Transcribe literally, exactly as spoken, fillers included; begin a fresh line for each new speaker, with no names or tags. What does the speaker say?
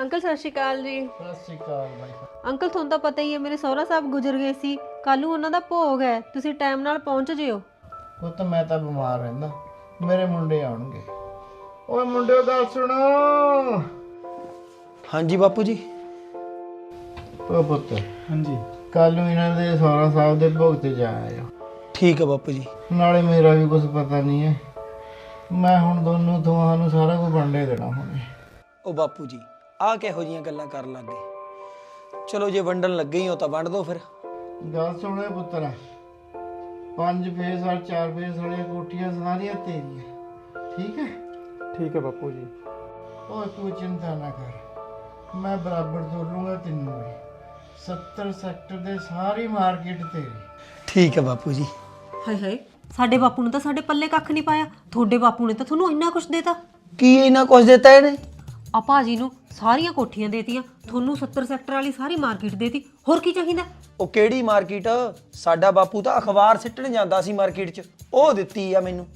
Uncle सत श्री अकाल जी।
सत श्री अकाल भाई।
अंकल ਤੁਹਾਨੂੰ ਤਾਂ ਪਤਾ ਹੀ ਹੈ ਮੇਰੇ ਸਹੁਰਾ ਸਾਹਿਬ ਗੁਜ਼ਰ ਗਏ ਸੀ। ਕੱਲ ਨੂੰ ਉਹਨਾਂ ਦਾ ਭੋਗ ਹੈ, ਤੁਸੀਂ ਟਾਈਮ ਨਾਲ ਪਹੁੰਚ ਜਿਓ।
ਉਹ ਤਾਂ ਮੈਂ ਤਾਂ ਬਿਮਾਰ ਰਹਿੰਦਾ, ਮੇਰੇ ਮੁੰਡੇ ਆਉਣਗੇ। ਓਏ ਮੁੰਡਿਓ ਗੱਲ ਸੁਣੋ।
ਹਾਂਜੀ ਬਾਪੂ ਜੀ।
ਓ ਪੁੱਤ,
ਹਾਂਜੀ
ਕੱਲ ਨੂੰ ਇਹਨਾਂ ਦੇ ਸਹੁਰਾ ਸਾਹਿਬ ਦੇ ਭੋਗ ਤੇ ਜਾ ਆਇਓ।
ਠੀਕ ਹੈ ਬਾਪੂ ਜੀ।
ਨਾਲੇ ਮੇਰਾ ਵੀ ਕੁਝ ਪਤਾ ਨਹੀਂ ਹੈ, ਮੈਂ ਹੁਣ ਦੋਨੋਂ ਤੁਹਾਨੂੰ ਸਾਰਾ ਕੁਝ ਵੰਡੇ ਦੇਣਾ ਹੁਣੇ।
ਉਹ ਬਾਪੂ ਜੀ ਆਹ ਕਿਹੋ ਜੀਆਂ ਗੱਲਾਂ ਕਰਨ ਲੱਗ ਗਏ। ਚਲੋ ਜੇ ਵੰਡਣ ਲੱਗੇ ਹੀ ਹੋ ਤਾਂ ਵੰਡ ਦਿਓ ਫਿਰ।
ਗੱਲ ਸੁਣੋ ਪੁੱਤਰਾ, ਪੰਜ ਫੇਸ ਔਰ ਚਾਰ ਫੇਸ ਵਾਲੀਆਂ ਕੋਠੀਆਂ ਸਾਰੀਆਂ ਤੇਰੀਆਂ, ਠੀਕ ਹੈ?
ਠੀਕ ਹੈ ਬਾਪੂ ਜੀ।
ਓਏ ਤੂੰ ਚਿੰਤਾ ਨਾ ਕਰ, ਮੈਂ ਬਰਾਬਰ ਤੋੜ ਲੂੰਗਾ ਤੈਨੂੰ ਵੀ। ਸੱਤਰ ਸੈਕਟਰ ਦੇ ਸਾਰੀ ਮਾਰਕੀਟ ਤੇਰੀ।
ਠੀਕ ਹੈ ਬਾਪੂ ਜੀ।
ਹਾਏ ਹਾਏ, ਸਾਡੇ ਬਾਪੂ ਨੇ ਤਾਂ ਸਾਡੇ ਪੱਲੇ ਕੱਖ ਨਹੀਂ ਪਾਇਆ, ਤੁਹਾਡੇ ਬਾਪੂ ਨੇ ਤਾਂ ਤੁਹਾਨੂੰ ਇੰਨਾ ਕੁਝ ਦੇਤਾ।
ਕੀ ਇਹਨਾਂ ਕੁਝ ਦਿੱਤਾ ਇਹਨੇ?
ਆ ਭਾਜੀ ਨੂੰ ਸਾਰੀਆਂ ਕੋਠੀਆਂ ਦੇਤੀਆਂ, ਤੁਹਾਨੂੰ ਸੱਤਰ ਸੈਕਟਰ ਵਾਲੀ ਸਾਰੀ ਮਾਰਕੀਟ ਦੇਤੀ, ਹੋਰ ਕੀ ਚਾਹੀਦਾ?
ਉਹ ਕਿਹੜੀ ਮਾਰਕੀਟ? ਸਾਡਾ ਬਾਪੂ ਤਾਂ ਅਖਬਾਰ ਸਿੱਟਣ ਜਾਂਦਾ ਸੀ ਮਾਰਕੀਟ 'ਚ, ਉਹ ਦਿੱਤੀ ਆ ਮੈਨੂੰ।